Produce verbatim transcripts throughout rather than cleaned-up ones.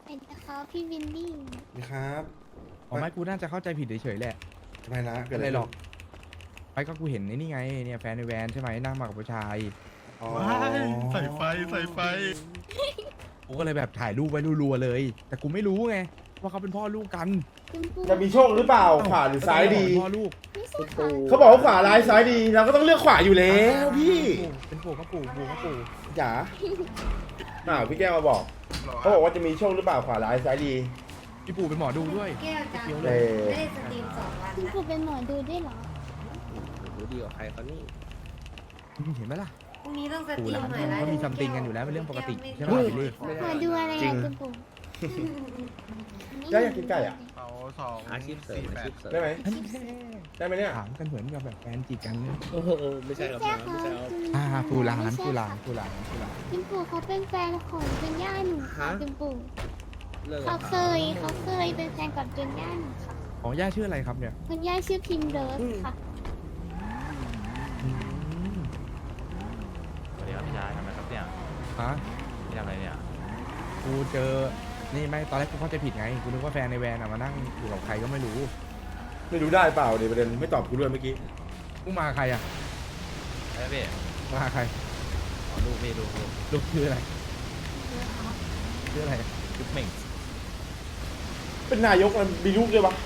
เป็นนะคะพี่วินนี่นี่ครับอ๋อไม่กูน่าจะเข้าใจผิดเฉยๆแหละทำไมนะเกิดอะอะไร ไรหรขึ้อน กไปก็กูเห็นไอ้นี่ไงเนี่ยแฟนในแวนใช่ไหมนั่งมากับผู้ชายอ๋อว้ายใส่ไฟใส่ไฟกูก็เลยแบบถ่ายรูปไว้รัวๆเลย แต่กูไม่รู้ไงว่าเขาเป็นพ่อลูกกันคุณปูจะมีโชคหรือเปล่าขวาหรือซ้ายดีพ่อลูกไม่ใช่ค่ะเขาบอกว่าขวาร้ายซ้ายดี เราก็ต้องเลือกขวาอยู่แล้วพี่เป็นปู่ก็ปู่ปู่ก็ปู่จ๋าน่าพี่แก้วมาบอกเขาบอกว่าจะมีโชคหรือเปล่าขวาร้ายซ้ายดีพี่ปู่เป็นหมอดูด้วยแก้วจังเออไม่ได้สตรีมสองวันคุณนะปูเป็นหมอดูด้วยเหรอรู้ดีกว่าใครเขานี่เห็นไหมล่ะพรุ่งนี้ต้องสตปู่รีหมลานหน่อยนะเขามีซัมติงกันอยู่แล้วเป็นเรื่องปกติใช่ไหมบิลลี่หมอดูอะไรจริอะงคุณปูแก้วอยากกินไก่อะเขาสองอาชีพเสริมสี่อาแปชีดพเสริมได้ไหมอันนี้ได้ไหมเนี่ยถามกันเหมือนกับแบบแฟนจีบกันเนี่ยโอ้โหไม่ใช่ครับใช่นะค่ะไม่ใช่ครับอ่าปู่หลานปู่หลานปู่หลานปู่หลานคุณปูเขาเป็นแฟนของจุนย่าหนูค่ะคุณปูเลิกเขาเคยเขาเคยเป็นแฟนกับจุนย่าหนูค่ะของย่าชื่ออะไรครับเนี่ยคุณย่าชื่อพิมเลิฟค่ะอืมสวัสดีครับพี่ชายทำอะไรครับเนี่ยฮะพี่ทำอะไรเนี่ยกูเจอ นี่ไม่ตอนแรกกูเข้าใจผิดไง กูนึกว่าแฟนในแวนอะมานั่งอยู่กับใครก็ไม่รู้ไม่รู้ได้เปล่าเดี๋ยวประเด็นไม่ตอบกูด้วยเมื่อกี้กูมากับใครอะเฮ้ยพี่มากับใครขอดูพี่ดูดูลูกชื่ออะไรชื่ออะไรจุ๊บเหม่งเป็นนายกมันมีลูกด้วยปะ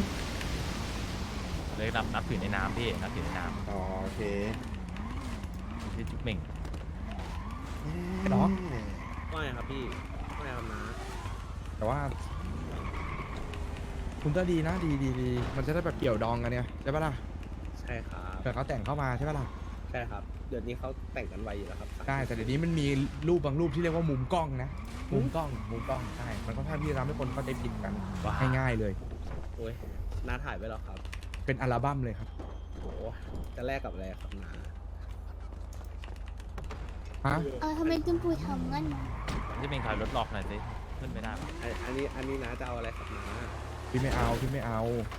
เลยนับนับถือในน้ำพี่นับถือในน้อ๋อโอเคำชื่อจุ๊บเหม่งเนาะว่าไงครับพี่ว่าไงครับนะแต่ว่า คุณก็ดีนะดีดีดีมันจะได้แบบเกี่ยวดองกันเนี่ยใช่ปะล่ะใช่ครับเผื่อเขาแต่งเข้ามาใช่ปะล่ะใช่ครับเดี๋ยวนี้เขาแต่งกันไวอยู่แล้วครับใช่แต่เดี๋ยวนี้มันมีรูปบางรูปที่เรียกว่ามุมกล้องนะ มุมกล้อง มุมกล้อง ใช่ มันก็ค่อนข้างที่จะทำให้คนเข้าใจผิดกันง่ายๆเลยโอ้ยน้าถ่ายไว้แล้วครับเป็นอัลบั้มเลยครับโหจะแลกกับอะไรครับน้าฮะเออทำไมคุณปูทำงั้นนะจุ๊บเหม่งถอยรถหลอกหน่อยสิขึ้นไม่ได้ปะอันอันนี้อันนี้น้าจะเอาอะไรครับน้าพี่ไม่เอาพี่ไม่เอา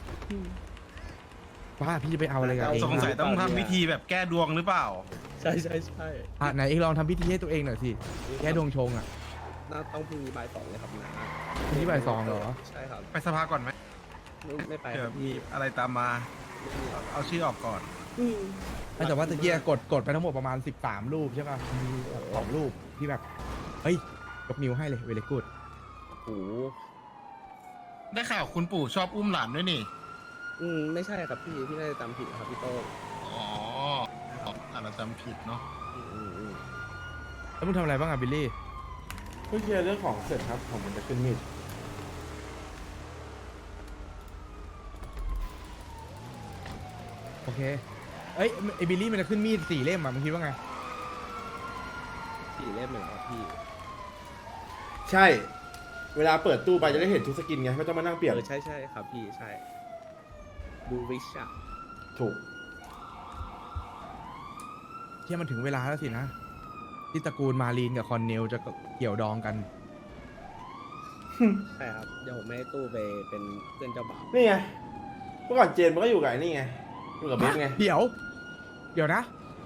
ป้าพี่จะไปเอาอะไรกับเองสงสัยนะต้องทำวิธีแบบแก้ดวงหรือเปล่าใช่ใช่ใช่อ่ะไหนเองลองทำพิธีให้ตัวเองหน่อยสิแค่ดวงชงอ่ะน้าต้องพรุ่งนี้บ่ายสองเลยครับน้าพรุ่งนี้บ่ายสองเหรอใช่ครับไปสภาก่อนไหมไม่ไม่ไปเดี๋คยรัวบมีพี่อะไรตามมาเอาเอาชื่อออกก่อนแต่ว่าตะเกียกดกดไปทั้งหมดประมาณสิบสามรูปใช่ป่ะมีแบบสองรูปที่แบบเฮ้ยยกนิ้วให้เลยเวลกูดโอ้โหได้ข่าวคุณปู่ชอบอุ้มหลานด้วยนี่อืมไม่ใช่ครับพี่พี่น่าจะจำผิดครับพี่โต้งอ๋ออาจจะจำผิดเนาะอืมอืมอืมแล้วมึงทำอะไรบ้างอ่ะบิลลี่เพิ่งเคลียร์เรื่องของเสร็จครับผมมันจะขึ้นมีดโอเคเอ้ยไอบิลลี่มันจะขึ้นมีดสี่เล่มอ่ะมึงคิดว่าไงสี่เล่มเหมือนครับพี่ใช่ เวลาเปิดตู้ไปจะได้เห็นทุกสกินไงไม่ต้องมานั่งเปลี่ยนเออใช่ใช่ครับพี่ใช่ดูริชอะถูกเที่ยมันถึงเวลาแล้วสินะ ที่ตระกูลมารีนกับคอนเนลจะเกี่ยวดองกันใช่ครับเดี๋ยวผมให้ตู้ไปเป็นเพื่อนเจ้าบ่าวนี่ไงเมื่อก่อนเจนมันก็อยู่กับไอ้นี่ไงอยู่กับเบสไงเดี๋ยว เดี๋ยวนะ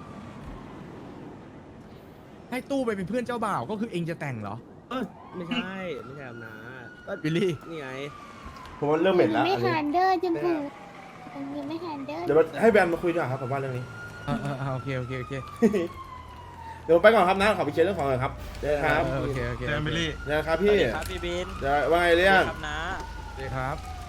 ให้ตู้ไปเป็นเพื่อนเจ้าบ่าวก็คือเองจะแต่งเหรอเออไม่ใช่ไม่ใช่ครับนะก็บิลลี่นี่ไงผมว่าเริ่มเหม็นแล้วไม่อันนี้หันเดอร์คุณปูคุณปูไม่หันเดอร์เดี๋ยวให้แบนมาคุยดีกว่าครับผมว่าเรื่องนี้เออเออเออโอเคโอเคโอเคเดี๋ยวผมไปก่อนครับนะขอไปเคลียร์เรื่องของก่อนครับเจอกันครับเออโอเคโอเคเจมเบลลี่เจอกันครับพี่ครับพี่บินเดี๋ยวว่าไงเรื่องครับนะโอเคครับ